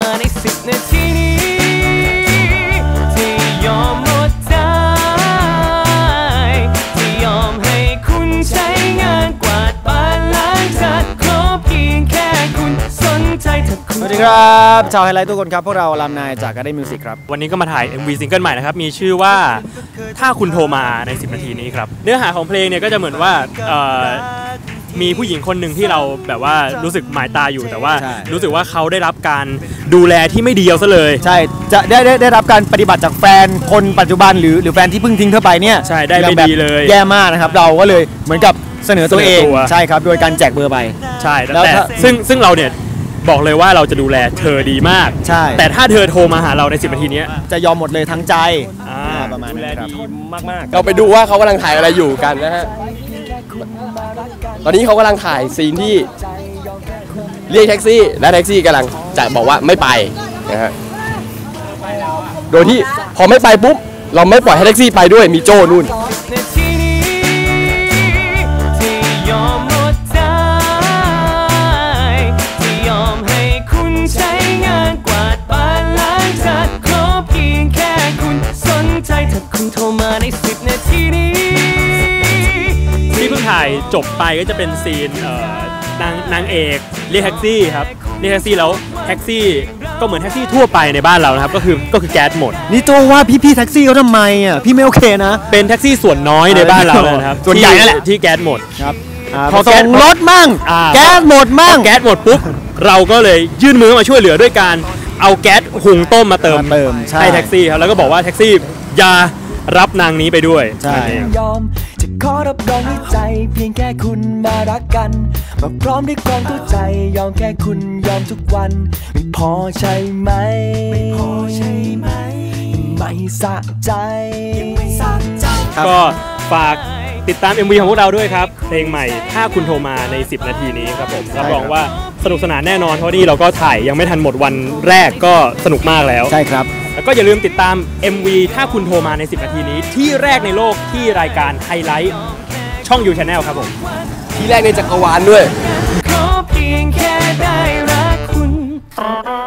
มาใน10 นาทีนี้ที่ยอมหมดใจที่ยอมให้คุณใช้งานกวาดบ้านล้างจานขอเพียงแค่คุณสนใจถ้าคุณสวัสดีครับชาวไฮไลท์ทุกคนครับพวกเราลำนายจากGarden Musicครับวันนี้ก็มาถ่าย MV ซิงเกิลใหม่นะครับมีชื่อว่าถ้าคุณโทรมาใน10 นาทีนี้ครับเนื้อหาของเพลงเนี่ยก็จะเหมือนว่ามีผู้หญิงคนหนึ่งที่เราแบบว่ารู้สึกหมายตาอยู่แต่ว่ารู้สึกว่าเขาได้รับการดูแลที่ไม่ดีเอาซะเลยใช่จะได้รับการปฏิบัติจากแฟนคนปัจจุบันหรือแฟนที่เพิ่งทิ้งเธอไปเนี่ยใช่ได้ไม่ดีเลยแย่มากนะครับเราก็เลยเหมือนกับเสนอตัวเองใช่ครับโดยการแจกเบอร์ไปใช่แล้วแต่ซึ่งเราเนี่ยบอกเลยว่าเราจะดูแลเธอดีมากใช่แต่ถ้าเธอโทรมาหาเราใน10 นาทีนี้จะยอมหมดเลยทั้งใจประมาณดูแลดีมากๆเราไปดูว่าเขากำลังถ่ายอะไรอยู่กันนะฮะตอนนี้เขากำลังถ่ายซีนที่เรียกแท็กซี่และแท็กซี่กำลังจะบอกว่าไม่ไปนะฮะโดยที่พอไม่ไปปุ๊บเราไม่ปล่อยให้แท็กซี่ไปด้วยมีโจ้นู่นคุณโทรมาใน10 นาทีนี้ที่เพิ่งถ่ายจบไปก็จะเป็นซีนนางเอกเรียกแท็กซี่ครับเรียกแท็กซี่แล้วแท็กซี่ก็เหมือนแท็กซี่ทั่วไปในบ้านเรานะครับก็คือแก๊สหมดนี่โจว่าพี่แท็กซี่เขาทำไมอ่ะพี่ไม่โอเคนะเป็นแท็กซี่ส่วนน้อยในบ้านเรานะครับส่วนใหญ่นั่นแหละที่แก๊สหมดครับพอส่งรถมั่งแก๊สหมดมั่งแก๊สหมดปุ๊บเราก็เลยยื่นมือมาช่วยเหลือด้วยการเอาแก๊สหุงต้มมาเติมให้แท็กซี่ครับแล้วก็บอกว่าแท็กซี่อย่ารับนางนี้ไปด้วยใช่ยอมจะขอรับรองในใจเพียงแค่คุณมารักกันมาพร้อมด้วยความเข้าใจยอมแค่คุณยอมทุกวันไม่พอใช่ไหมไม่พอใช่ไหมไม่สะใจไม่สะใจก็ฝากติดตาม MV ของพวกเราด้วยครับเพลงใหม่ถ้าคุณโทรมาใน10 นาทีนี้ครับผมรับรองว่าสนุกสนานแน่นอนเพราะนี่เราก็ถ่ายยังไม่ทันหมดวันแรกก็สนุกมากแล้วใช่ครับแล้วก็อย่าลืมติดตาม MV ถ้าคุณโทรมาใน10 นาทีนี้ที่แรกในโลกที่รายการไฮไลท์ช่อง You Channel ครับผมที่แรกในจักรวาลด้วยขอเพียงแค่ได้รักคุณ